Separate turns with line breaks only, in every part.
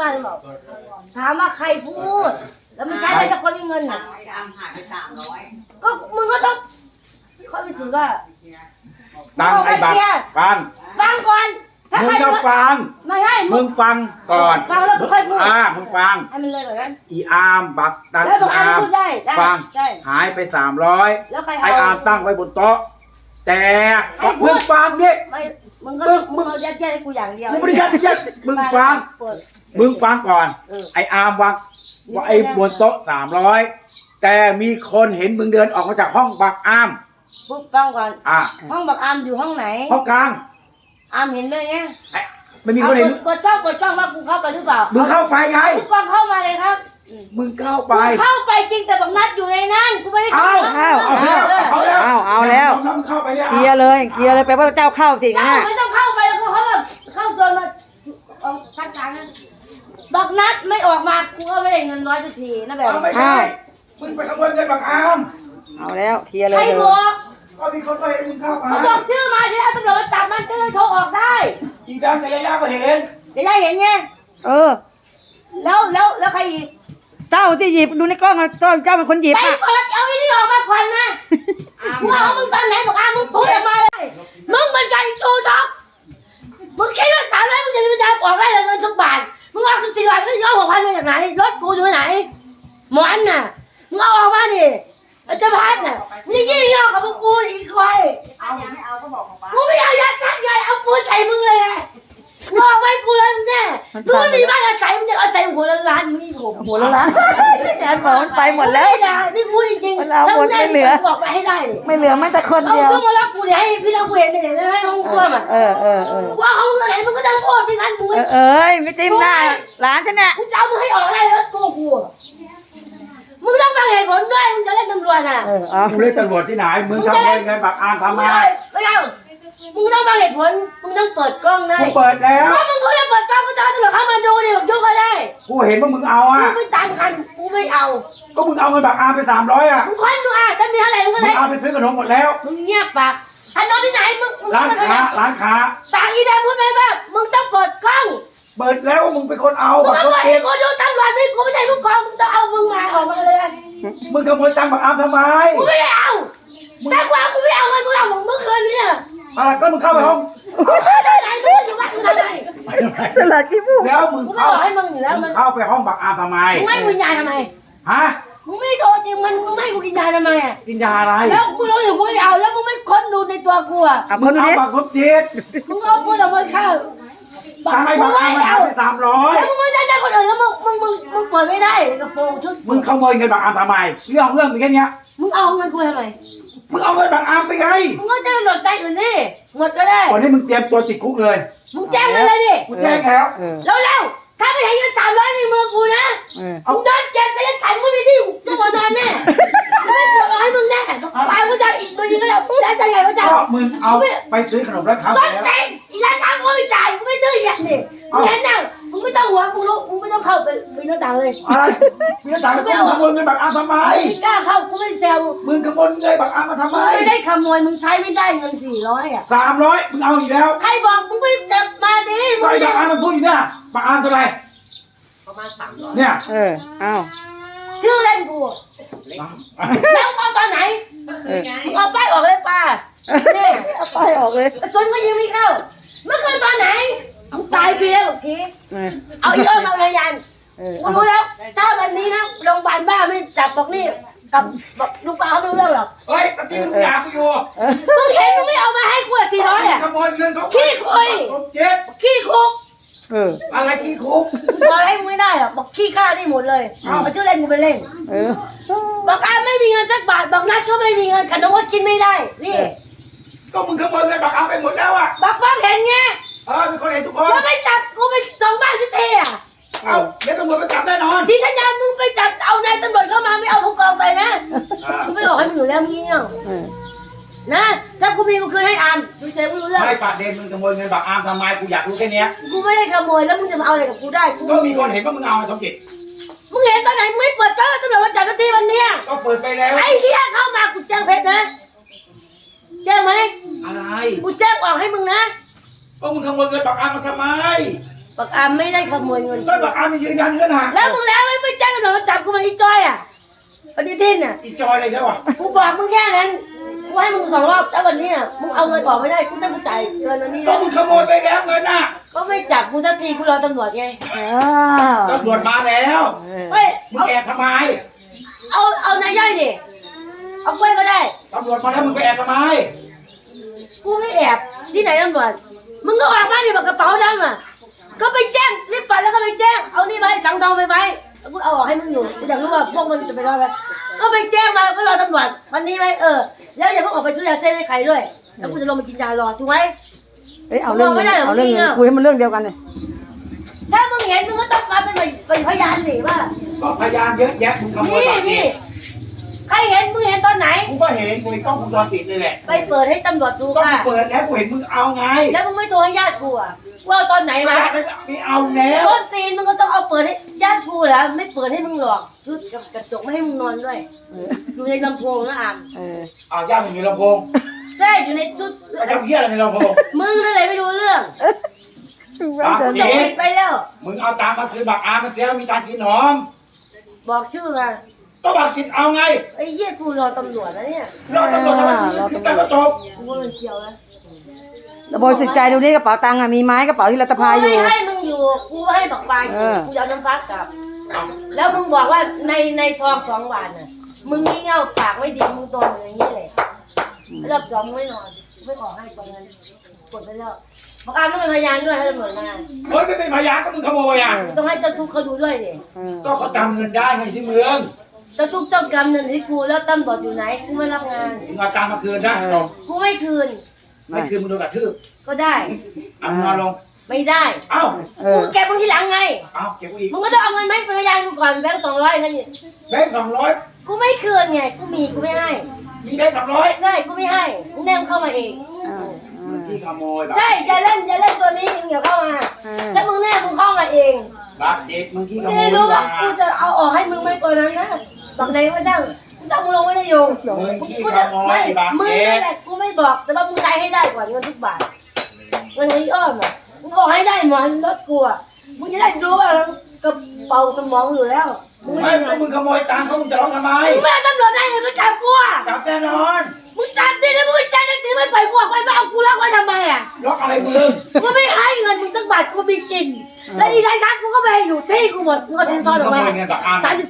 มาหรือเปล่าถามว่าใครพูดแล้วมันใช้ได้สักคนที่เงินน่ะ
ไอ้ดำหายไป300
ก็มึงก็ต้องเขาไปถือว่า
ตังไอ้บัตรฟัง
ก่อนถ้า
มึ
ใค
ง
ร
จะฟัง
ไม่ให้
มึงฟังก่อน
ฟังแล้วค่อยพูด
มึงฟัง
ให้มันเลยแบบนั้น
อีอาร์มบักตัน
แล้วบ
อี
อกอา
อาร์ม
พูดได้
ฟัง
ใช่
หายไป
แล้วใคร
300ไออาร์มตั้งไว้บนโต๊ะแต่
ให้พูด
มึงฟังดิ
ไม่มึงก็มึงเอายัดเยียดให้กูอย่างเดียว
กูไม่ได้ยัดมึงฟัง มึงฟังก่อนไออาร์มวางไอ้บนโต๊ะ300แต่มีคนเห็นมึงเดินออกมาจากห้องบักอาร์ม
ปุ๊บฟังก่อนห้องบักอามอยู่ห้องไหน
ห้องกลาง
อามเห็นด้วยไง
ไม่มีคนเห็น
เปิดกล้องว่ากูเข้าไปหรือเปล่า
มึงเข้าไปไง
กูกล้องเข้ามาเลยครับ
มึงเข้าไป
เข้าไปจริงแต่บักนัดอยู่ในนั้นกูไม่ได้เข้า
เอาแล้ว
น้องเข้าไปเนี่ย
เคลียร์เลยแปลว่าเจ้าเข้าสิ
เจ้า
นะ
ไม่ต้องเข้าไปแล้วเขาแบบเข้าโดนมาทักการนั้นบักนัดไม่ออกมากูก็ไม่ได้เงินร้อยสักทีนะแบบ
ไม่ใช่มึงไปขโมยเงินบักอาร์ม
เอาแล้วเคลียร์เลย
ใครบอก
ก็มีคนก็เห็นมึงเข้าไป
เขาบอกชื่อมาที่แล้วตำรวจมาจับมันก็เลยโทรออกได้
อีดังกับยาย่าก็เห็น
จะได้เห็นไง แล้วใครอีก
เจ้าที่หยิบดูในกล้องเจ้าเป็นคนหยิบ
ไป
อ่ะ
เปิดเอาไอ้นี่ออกมาควันนะกูเอามึงตอนไหนบอกมึงพูดออกมาเลยมึงมันกันชูช็อกมึงคิดว่า300มึงจะมีปัญญาออกได้เงินทุกบาทมึงเอา14 บาทก็ย้อน6,000มาจากไหนรถกูอยู่ไหนหมอนน่ะมึงเอาออกมาดิจะพัดน่ะมึงยิ่งเอากับพวกกูอีกคอย
เอายังไม่เอาก็บอกของป้า
กูไม่เอายาซักไงเอาปูนใส่มึงเลยงอกไว้กูเลยมึงแน่มึงไม่มีบ้านอาศัยมึงจะอาศัยหัวล้านนี่ผม
หัวละล้านงานหมอมันไปหมดแล้ว
ไม่ได้นี่พูดจริง
มันเอาหมดไม่เหลือ
บอกไปให้ได้ดิ
ไม่เหลือแม้แต่คน
เอา
เดียว
เครื่องมาล็อกกูเดี๋ยวให้พี่น้องกูเห็นเดี๋ยวให้ห้องครัวมัน ว่าห้องไหนมึงก็จะพูดไม่งั้นมึง
ไม่จิ้มหน้าร้านฉันเนี่ย
กูจะเอามึงให้ออกได้แล้วตัวกูมึงต้องฟังเหตุผลด้วยมึงจะเล่นตำรวจอ่ะ
มึงเรียกตำรวจที่ไหนมึงขโมยเงินบักอาร์มทำไม
ไม่เอามึงต้องฟังเหตุผลมึงต้องเปิดกล้องได้
กูเปิดแล้ว
ถ้ามึงพูดแล้วเปิดกล้องกูจะเอาตำรวจเข้ามาดูดิบอกยุ่งก็ได้
กูเห็นว่ามึงเอา
กู
อ่ะ
ไม่ตามกันกูไม่เอา
ก็มึงเอาเงินบักอาร์มไป300อ่ะ
มึงค้นดูอ่ะถ้ามีเท่าไหร่มึงก็
มึ
ได้
งเอาไปซื้อขนมหมดแล้ว
มึงเงียบปากถนนที่ไหนมึง
ร้านค้า
ปากอีแดงพูดไปบ้างมึงต้องเปิดกล้อง
เปิดแล้วว่ามึงเป็นคนเอา
มึง
บัก
เอา
ร
ไว้
ถเอ
ให้
ง
กูดูตำรวจไม่กูไม่ใช่ผู้กองมึงต้องเอามึงมาออกมาเลย
มึงขโมยตังค์บักอาร์มทำไม
กูไม่ได้เอาแต่กูเอากูไม่เอาเงินกูเอาของเมื่อคืนเนี่ย
อะไรก็มึงเข้าไปห้อง
ได้ไหนมึงอยู่บ้านมึงทำไม
สลัดกี่ผู้
แล้วมึง
กูไม่
เข้า
บอกให้มึงอยู่แล้ว
มึ
มั
ง
น
เข้าไปห้องบักอาร์มทำไม
มึงไม่วิญญาณทำไม
ฮะ
มึงไม่โทรจริงมันมึงไม่กูวิญญาณทำไมอ่ะ
กินยาอะไร
แล้วกูรู้อยู่กูไม่เอาแล้วมึงไม่ค้นดูในตัวกูอ่ะ
เอา
มึ
ค
ง
น
เอา
นี้
บักครบจิต
มึงเอาพูดออกมาเข้า
ตังค์ให้บักอาร์มมันหายไป300
แล้วมึงไม่ใช่คนอื่นแล้วมึงเปิดไม่ได้กระโปรงชุด
มึงขโมยเงินบักอาร์มทำไมเรื่องมีแค่เนี้ย
มึงเอาเงินกูทำไม
มึงเอาเงินบักอาร์มไปไง
มึงก็แจ้งตำรวจใต้อื่นดิหมดก็ได้
วันนี้มึงเตรียมตัวติดคุกเลย
มึงแจ้งมาเลยดิ
กูแจ้งแล้ว
เร็วๆถ้าไม่ให้เงิน300ในมือกูนะมึงโดนเจ็บเสียสายมึงไม่ที่จะมานอนแน่ไม่ปวดร้อยมึงแน่ตายกูจะอีกตัวยิงก็ได้ใจใหญ่ก็จะ
ก็มึงเอาไปซื้อขนมร้านค้า
ต้
ไป
น
แล้ว
เต็งอีร้านค้ากูไม่จ่ายกูไม่ซื้ออย่างนี้มึงเห็นนะมึงไม่ต้องห่วงมึงรู้มึงไม่ต้องเข้าไปปีนหน้าต่างเลย
อะไรมึงถามว่ามึงขโมยเงินบักอาร์มทำไม
ไม่กล้าเข้ากูไม่แซว
มึงขโมยเงินบักอาร์มมาทำไม
มึงไม่ได้ขโมยมึงใช้ไม่ได้เงิน400อ่ะ
300มึงเอาอีกแล้ว
ใครบอกมึงไม่จับมาดิมึ
ก็
ง
ไอ้
ไม่
บักอาร์มมันพูดอยู่เนี่ยบักอาร์มเท่าไหร่
ประมาณ300
เนี่ย
เอา
ชื่อเล่นกูแล้วเอาตอนไหน
ก็คือไง
มึงเอาป้ายออกเลยป้าเนี่ย
เอาไปออกเลย
จนก็ยังไม่เข้าเมื่อคืนตอนไหนมึงตายฟรีแล้วบอกชี้เอาอีอ้อมมาพยานกูรู้แล้ว ถ้าวันนี้นะโรงพยาบาลบ้าไม่จับบอกนี่กับบอกลุงป้าเขาไม่รู้เรื่องหรอก
เฮ้ยตะกี้มึงด่ากูอยู่
มึงเห็นมึงไม่เอามาให้กู400อ่ะ
ขโมยเงินเขา
ขี้คุย
เจ็บ
ขี้คุก
อะไรขี้คุก
บอกอะไรมึงไม่ได้หรอกบอกขี้ข้านี่หมดเลยเอาชื่อเล่นกูไปเล่น
เออ
บอกอาไม่มีเงินสักบาทบอกนัดก็ไม่มีเงินขนมก็กินไม่ได้นี่
ก็มึงขโมยเงินบักอาร์มไปหมดแล้วอ่ะ
บอกฟังเห็นไง
มีคนเห็นทุกคน
แล้วไม่จับกูไปส่งบ้านที่เทอ่ะ
เอ้าเดี๋ยวตำรวจมาจับแน่นอน
ที่ทัญญามึงไปจับเอานายตำรวจเข้ามาไม่เอาผู้กองไปนะกูไม่บอกให้มึงอยู่แล้วมึงเงี้ยนะถ้ากูมีกูคืนให้อามมึงเสียไม่รู้เรื่อง
ไม่ประเด็นมึงขโมยเงินบักอาร์มทำไมกูอยากรู้แค่เนี้ย
กูไม่ได้ขโมยแล้วมึงจะมาเอาอะไรกับกูได้กู
ก็มีคนเห็นว่ามึงเอาสมจิต
มึงเห็นตอนไหนมึงไม่เปิดกล้องตำรวจมาจับทีวันเนี้ย
ก็เปิดไปแล้ว
ไอ้เหี้ยเข้ามากูแจ้งเพชรนะแจ้งไหม
อะไร
กูแจ้งออกให้มึงนะ
ก็มึงขโมยเงินบักอาร์มมาทำไม
บบักอามไม่ได้ขโมยเงิน
ก็บอกอามียืนยันกันนะ
แล้วมึงแล้วไม่แจ้งตำรวจมาจับกูมาอีจอยอ่ะปฏิทินอ่ะ
อีจอยอะไรแล้วอ่ะ
กูบอกมึงแค่นั้นกูให้มึง2 รอบแล้ววันนี้อ่ะมึงเอาเงินออกไม่ได้กูต้องจ่ายเกินวันนี้
ก็มึงขโมยไปแล้วเงินน่ะ
ก็ไม่จับกูสักทีกูรอตำรวจไง
อ้าว
ตำรวจมาแล้ว
เฮ้ย
มึงแอบทำไม
เอานายย่อยดิเอากล้วยก็ได้
ตำรวจมาแล้วมึงไปแอบทำไม
กูไม่แอบที่ไหนตำรวจมึงก็ออกมาดิบอกกระเป๋าดำอ่ะก็ไปแจ้งรีบไปแล้วก็ไปแจ้งเอานี่ไปสังทองไปกูเอาออกให้มึงอยู่กูอยากรู้ว่าพวกมันจะไปรอดไหมก็ไปแจ้งมาก็รอตำรวจวันนี้ไหมแล้วอย่าเพิ่งออกไปซื้อยาเส้นให้ใครด้วยแล้วกูจะลงมากินยารอถูกไหม
เอ้ยเอาเรื่องเงินเอาเรื่องเงินคุยให้มันเรื่องเดียวกันเลย
ถ้ามึงเห็นมึงก็ต้องมาเป็นพยานสิว่า
ก็พยานเยอะแยะมึงขโมย
นี่
บัตร
นี่ใครเห็นมึงเห็นตอนไหน
กูก็เห็นกูกล้องวงจรปิดเลยแหละ
ไปเปิดให้ตำรวจดู
ก็
ค่ะ
กูเปิดแล้วกูเห็นมึงเอาไง
แล้วมึงไม่โทรให้ญาติกูอ่ะว่าตอนไหน
ไม่
มา
ได้ไม่เอาแล้ว
ต้นตีนมึงก็ต้องเอาเปิดให้ญาติกูเหรอไม่เปิดให้มึงหรอกชุดกับกระจกไม่ให้มึงนอนด้วยอยู่ในลำโพงนะอาม
เอาย่ามึงมีลำโพง
ใช่อยู่ในชุด
ไปทำเหี้ยอะไรในลำโพง
มึงนั่นแหละไม่รู้เรื่อง
ปาก
จ
เจ๊
บปิดไปแล้ว
มึงเอาตังค์มาคืนบักอามันเสียมีตังค์กินหอม
บอกชื่อมา
ก็บักกินเอาไง
ไอ้เหี้ยกูรอตำรวจแล้วเนี่ย
รอตำรวจทำไมมึงคืนตังค์ก็จบ
กูว่ามันเกี่ยวแล้ว
ระบายสิทธิ์ใจดูนี่กระเป๋าตังค์อะมีไม้กระเป๋าที่รัต
กู
พาอยู่
ไม่ให้มึงอยู่กูให้บักปลายกูจะเอาน้ำฟักกลับ แล้วมึงบอกว่าในทอง2 วันน่ะมึงงี่เง่าปากไม่ดีมึงโดนอย่างนี้เลยรอบ2ไม่นอนไม่ขอให้ตรงนั้นกดไปแล้วบักอามต้องเป็นพยานด้วยให้ตำรวจมา
เฮ้ยไม่เป็นพยานก็มึงขโมยอ่ะ
ต้องให้เจ้าทุกข์เขาดูด้วยดิ
ก็เขาจำเงินได้ไงที่เมือง
เจ้าทุกข์เจ้ากรรมเงินที่กูแล้วตำรวจอยู่ไหนกูไม่รับงาน
มึงเอาตังค์มาคืนนะจบ
กูไม่คืน
ไม่คืนมึงโดนกระทืบ
ก็ได้
เอามึงนอนลง
ไม่ได้
เอ้า
กูเก็บมึงทีหลังไง
เอาเก็บไว้อีก
มึงก็ต้องเอาเงินมาให้เป็นพยานกูก่อนแบงค์200กันนี่
แบงค์200
กูไม่คืนไงกูมีกูไม่ให้
มีแบงค์200
ใช่กูไม่ให้มึงแนมเข้ามาเอง
มึงที่ขโมยแบบ
ใช่อย่าเล่นตัวนี้มึงอย่าเข้ามาถ้ามึงแน่มึงเข้ามาเอง
บักเด็กมึงที่ข
ไม่
โม
ได้
ย
รู้ว่า
มา
กูจะเอาออกให้มึงไม่กว่านั้นนะบอกไหนว่าช่างกูจะเอามึงลงไม่ได้โยง
มึงที่
กู
ข
จะ
โม
ไม่
ยบัก
มึง
เด็
นั่
ก
นแหละกูไม่บอกแต่ว่ามึงใช้ให้ได้ก่อนเงินทุกบาทเงินที่อ้อมอ่ะมึงออกให้ได้หมอนรถกูอ่ะมึงจะได้รู้ว่ากระเป๋าสมองอยู่แล้วมึง
ไม่
ไม่
ก็มึงขโมยตังค์เขามึงจะร้องทำไม
มึงไม่เอาตำรวจได้เลยมาจับกูอ่ะ
จับแน่นอน
มึงจับดิแล้วมึงไม่จ่ายสักทีไม่ปล่อยกูออกไปมาเอากูล็อกไว้ทำไมอ่ะ
ล็อกอะไรมึง
กูไม่ให้เงินมึงสักบาทกูมีกินแล้วอีกท้ายกูก็ไปอยู่ที่กูหมดมึงเอาสินทอนออกมา
ขโมยเงินบักอาร์ม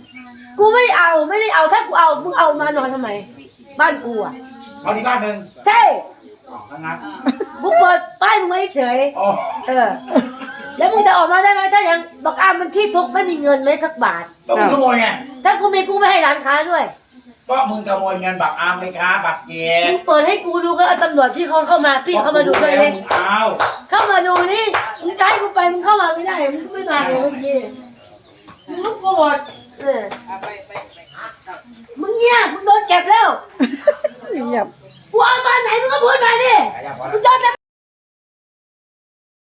37กูไม่เอาไม่ได้เอาถ้ากูเอามึงเอามานอนทำไม บ้านกูอ่ะ
เอาที่บ้านหนึ่ง
ใช่
ทั้งนั้น
กูเปิดป้ายมึงไว้เฉย
อ๋อ
แล้วมึงจะออกมาได้ไหมถ้ายังบอกอ้ามันขี้ทุกข์ไม่มีเงินเลยสักบาท
ก็มึงขโมยไง
ถ้ากูมีกูไม่ให้ร้านค้าด้วย
ก็มึงขโมยเงินบักอาร์มไหมคะบักเจ็บ
มึงเปิดให้กูดูก็เอาตำรวจที่เขาเข้ามาพี่เข้ามาดูด้วย
เล
เลย ย
มึงเอา
เข้ามาดูนี่มึงจะให้กูไปมึงเข้ามาไม่ได้มึงไม่มาเลยเมื่อกี้มึงลุกโกรธมึงเงียบมึง